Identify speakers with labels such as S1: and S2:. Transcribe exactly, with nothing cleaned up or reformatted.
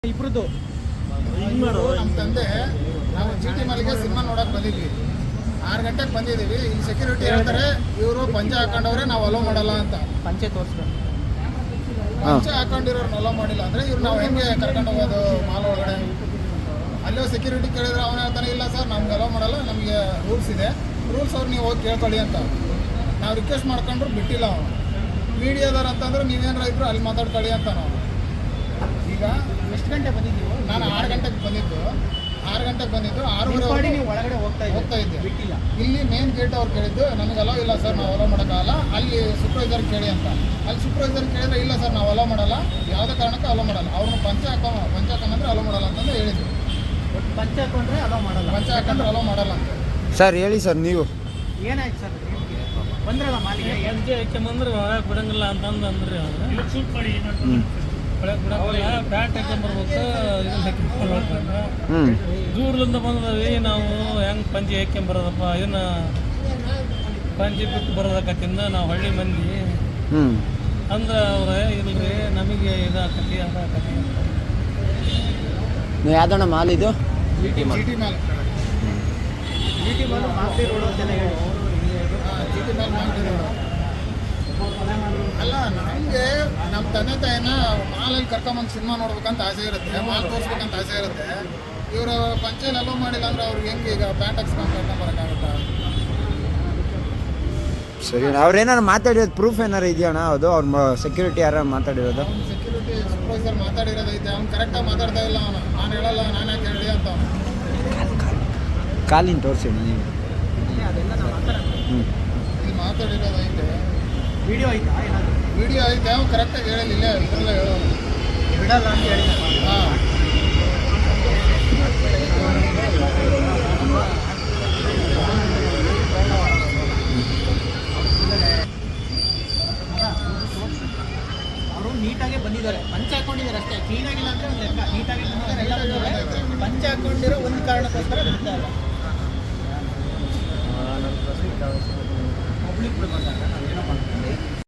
S1: ಇಬ್ರದ್ದು
S2: ನಮ್ಮ ತಂದೆ ನಾವು ಜಿ ಟಿ ಮಾಲಿಗೆ ಸಿನಿಮಾ ನೋಡಕ್ ಬಂದಿದ್ವಿ. ಆರು ಗಂಟೆಗೆ ಬಂದಿದ್ದೀವಿ. ಇಲ್ಲಿ ಸೆಕ್ಯೂರಿಟಿ ಹೇಳ್ತಾರೆ ಇವರು ಪಂಚೆ ಹಾಕೊಂಡವ್ರೆ ನಾವು ಅಲೋ ಮಾಡಲ್ಲ ಅಂತ.
S1: ಪಂಚೆ ತೋರಿಸ್ತಾರೆ.
S2: ಪಂಚೆ ಹಾಕೊಂಡಿರೋರ್ನ ಅಲೋ ಮಾಡಿಲ್ಲ ಅಂದ್ರೆ ಇವ್ರು ನಾವು ಹೆಂಗೆ ಕರ್ಕೊಂಡು ಹೋಗೋದು ಮಾಲ್ ಒಳಗಡೆ? ಅಲ್ಲೋ ಸೆಕ್ಯೂರಿಟಿ ಕೇಳಿದ್ರೆ ಅವನು ಹೇಳ್ತಾನೆ ಇಲ್ಲ ಸರ್ ನಮ್ಗೆ ಅಲೋ ಮಾಡಲ್ಲ, ನಮಗೆ ರೂಲ್ಸ್ ಇದೆ, ರೂಲ್ಸ್ ಅವ್ರು ನೀವು ಹೋಗಿ ಕೇಳ್ಕೊಳ್ಳಿ ಅಂತ. ನಾವು ರಿಕ್ವೆಸ್ಟ್ ಮಾಡ್ಕೊಂಡ್ರು ಬಿಟ್ಟಿಲ್ಲ ಅವನು. ಮೀಡಿಯಾದವ್ರು ಅಂತಂದ್ರೆ ನೀವೇನಾರ ಇದ್ರು ಅಲ್ಲಿ ಮಾತಾಡ್ಕೊಳ್ಳಿ ಅಂತ. ನಾವು ಈಗ
S1: ಎಷ್ಟು ಗಂಟೆ ಬಂದಿದ್ದೀವಿ?
S2: ನಾನು ಆರು ಗಂಟೆಗೆ ಬಂದಿದ್ದು ಆರು ಗಂಟೆಗೆ ಬಂದಿದ್ದು ಆರೂವರೆ
S1: ನೀವು ಒಳಗಡೆ ಹೋಗ್ತಾ
S2: ಹೋಗ್ತಾ ಇದ್ದೆ.
S1: ಬಿಟ್ಟಿಲ್ಲ.
S2: ಇಲ್ಲಿ ಮೇನ್ ಗೇಟ್ ಅವ್ರು ಕೇಳಿದ್ದು ನಮಗೆ ಅಲೋ ಇಲ್ಲ ಸರ್, ನಾವು ಅಲೋ ಮಾಡೋಕ್ಕಾಗಲ್ಲ, ಅಲ್ಲಿ ಸೂಪರ್ವೈಸರ್ ಕೇಳಿ ಅಂತ. ಅಲ್ಲಿ ಸೂಪರ್ವೈಸರ್ ಕೇಳಿದ್ರೆ ಇಲ್ಲ ಸರ್ ನಾವು ಅಲೋ ಮಾಡಲ್ಲ, ಯಾವುದೇ ಕಾರಣಕ್ಕೂ ಅಲೋ ಮಾಡಲ್ಲ, ಅವ್ರನ್ನ ಪಂಚೆ ಹಾಕೋ ಪಂಚೆ ಹಾಕೊಂಡ್ರೆ ಅಲೋ ಮಾಡಲ್ಲ ಅಂತಂದು ಹೇಳಿದ್ರು.
S1: ಪಂಚೆ ಹಾಕೊಂಡ್ರೆ ಅಲೋ ಮಾಡಲ್ಲ,
S2: ಪಂಚೆ ಹಾಕೊಂಡ್ರೆ ಅಲೋ ಮಾಡಲ್ಲ ಅಂತ.
S3: ಸರ್ ಹೇಳಿ ಸರ್, ನೀವು
S1: ಏನಾಯ್ತು ಸರ್? ಬಂದ್ರಲ್ಲ ಮಾಲಿಗೆ
S4: ಪಂಚೆ ಹಾಕ್ಯಂಬಂದ್ರೆ ಒಳಗೆ ಬಿಡಂಗಿಲ್ಲ ಅಂತಂದು ಅಂದ್ರೆ ಒಳಗೆ ಬಿಡಂಗಿಲ್ಲ, ಪ್ಯಾಂಟ್ ಹಾಕ್ಯಂಬರ್ಬೇಕು, ಇದನ್ನ ಹಾಕ್ಯಂಬರ್ಬೇಕು.
S3: ಹ್ಞೂ
S4: ದೂರದಿಂದ ಬಂದದವಿ ನಾವು ಹೆಂಗೆ ಪಂಚೆ ಹಾಕ್ಯಂಬರೋದಪ್ಪ, ಇದನ್ನ ಪಂಚೆ ಬಿಟ್ಟು ಬರೋದಕ್ಕತ್ತಿಂದ ನಾವು ಹಳ್ಳಿ ಮಂದಿ
S3: ಹ್ಞೂ
S4: ಅಂದ್ರೆ ಅವ್ರೆ ಇಲ್ರಿ ನಮಗೆ ಇದಾಕತಿ ಅದಾಕತಿ ಅಂತ.
S3: ನೀವು ಯಾವ್ದಣ್ಣ ಮಾಲ್ ಇದು?
S2: G T mall
S1: G T mall Masti road ಅಂತೆಲ್ಲ ಹೇಳಿ.
S2: ಜಿ ಟಿ ಮಾಲ್ ಮಾಡ್ತಿರೋದು ಅಲ್ಲ. ನಮಗೆ ನಮ್ಮ ತಂದೆ ತಾಯಿನ ಮಾಲಲ್ಲಿ ಕರ್ಕೊಂಬಂದು ಸಿನಿಮಾ ನೋಡ್ಬೇಕಂತ ಆಸೆ ಇರುತ್ತೆ, ಮಾಲ್ ತೋರಿಸ್ಬೇಕಂತ ಆಸೆ ಇರುತ್ತೆ. ಇವರು ಪಂಚೆಯಲ್ಲಿ ಅಲೋ ಮಾಡಿಲ್ಲ ಅಂದ್ರೆ ಅವ್ರಿಗೆ ಹೆಂಗೆ ಈಗ ಪ್ಯಾಂಟ್ ಹಾಕ್ಸ್ಕೊಂಡು ಕರ್ಕೊಂಬರೋಕ್ಕಾಗುತ್ತಾ?
S3: ಸರಿ, ಅವ್ರೇನಾರು ಮಾತಾಡಿರೋದು ಪ್ರೂಫ್ ಏನಾರು ಇದೆಯಣ್ಣ? ಅದು ಅವ್ರ ಸೆಕ್ಯೂರಿಟಿ ಯಾರು ಮಾತಾಡಿರೋದು?
S2: ಅವ್ನು ಸೆಕ್ಯೂರಿಟಿ ಸೂಪರ್ವೈಸರ್ ಮಾತಾಡಿರೋದೈತೆ, ಅವ್ನು ಕರೆಕ್ಟಾಗಿ ಮಾತಾಡ್ತಾ ಇಲ್ಲ. ಅವನು ನಾನು ಹೇಳಲ್ಲ, ನಾನು ಯಾಕೆ ಹೇಳಿ ಅಂತ ಅವನು.
S3: ಕಾಲಿನ ತೋರಿಸಿ ನೀವು.
S1: ಅದೆಲ್ಲ ನಾವು ಮಾತಾಡೋಣ.
S3: ಹ್ಞೂ
S2: ಇಲ್ಲಿ ಮಾತಾಡಿರೋದೈತೆ,
S1: ವಿಡಿಯೋ ಐತಾ ಏನಾದರೂ?
S2: ವಿಡಿಯೋ ಐತೆ, ಅವ್ನು ಕರೆಕ್ಟಾಗಿ ಹೇಳಿಲ್ಲ, ಇದರಲ್ಲೇ ಹೇಳೋನು.
S1: ಬಿಡಲ್ಲ ಅಂತ ಹೇಳಿ.
S2: ಹಾಂ
S1: ಅವರು ನೀಟಾಗೆ ಬಂದಿದ್ದಾರೆ, ಪಂಚೆ ಹಾಕೊಂಡಿದ್ದಾರೆ ಅಷ್ಟೇ, ಕ್ಲೀನ್ ಆಗಿಲ್ಲ ಅಂದರೆ ಒಂದು ಲೆಕ್ಕ. ನೀಟಾಗಿ ಬಂದಿದ್ದಾರೆ, ಎಲ್ಲ ಬಂದಿದ್ದಾರೆ. ಪಂಚೆ ಹಾಕೊಂಡಿರೋ ಒಂದು ಕಾರಣಕ್ಕೋಸ್ಕರ ಬಿಡ್ತಾ ಇಲ್ಲ.